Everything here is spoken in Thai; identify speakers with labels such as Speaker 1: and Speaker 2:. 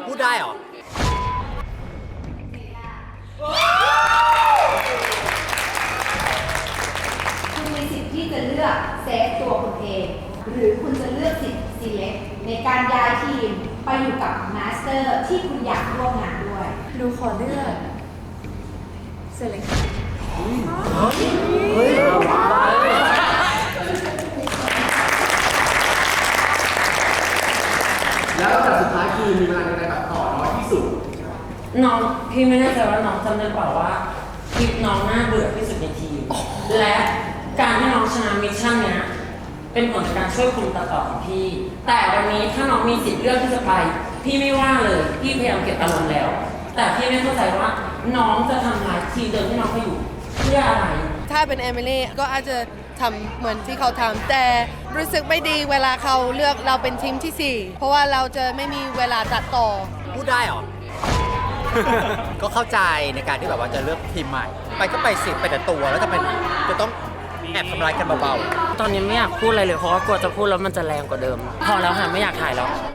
Speaker 1: พูดได้เหรอ
Speaker 2: คุณมีสิทธิ์ที่จะเลือกเซฟตัวคุณเอง หรือคุณจะเลือกสิทธิ์ select ในการย้ายทีมไปอยู่กับมาสเตอร์ที่คุณอยากร่วมงานด้วย
Speaker 3: หนูขอเลือกเซเลค
Speaker 4: แล้วแต่สุดท้ายคือมีเวลาในการตัดต่อน้อยที่สุด
Speaker 5: น้องพี่ไม่แน่ใจว่าน้องจำได้เปล่าว่าคลิปน้องน่าเบื่อที่สุดในทีมและการที่น้องชนะมิชชั่นเนี้ยเป็นผลจากการช่วยคุมตัดต่อของพี่ แต่วันนี้ถ้าน้องมีสิทธิ์เลือกที่จะไปพี่ไม่ว่าเลยพี่พยายามเก็บอารมณ์แล้ว แต่พี่ไม่เข้าใจว่าน้องจะทำลายทีมเดิมที่น้องไปอยู่เพื่ออะไร
Speaker 6: ถ้าเป็นเอมิลี่ก็อาจจะทำเหมือนที่เขาทำแต่รู้สึกไม่ดีเวลาเขาเลือกเราเป็นทีมที่ 4เพราะว่าเราจะไม่มีเวลาตัดต่อ
Speaker 1: พูดได้เหรอ ก็เข้าใจในการที่แบบว่าจะเลือกทีมใหม่ ไปก็ไปสิไปแต่ตัวแล้วจะต้องแอบทำร้ายกันเบา
Speaker 5: ตอนนี้ไม่อยากพูดอะไรเลยเพราะว่ากลัวจะพูดแล้วมันจะแรงกว่าเดิมพอแล้วค่ะไม่อยากถ่ายแล้ว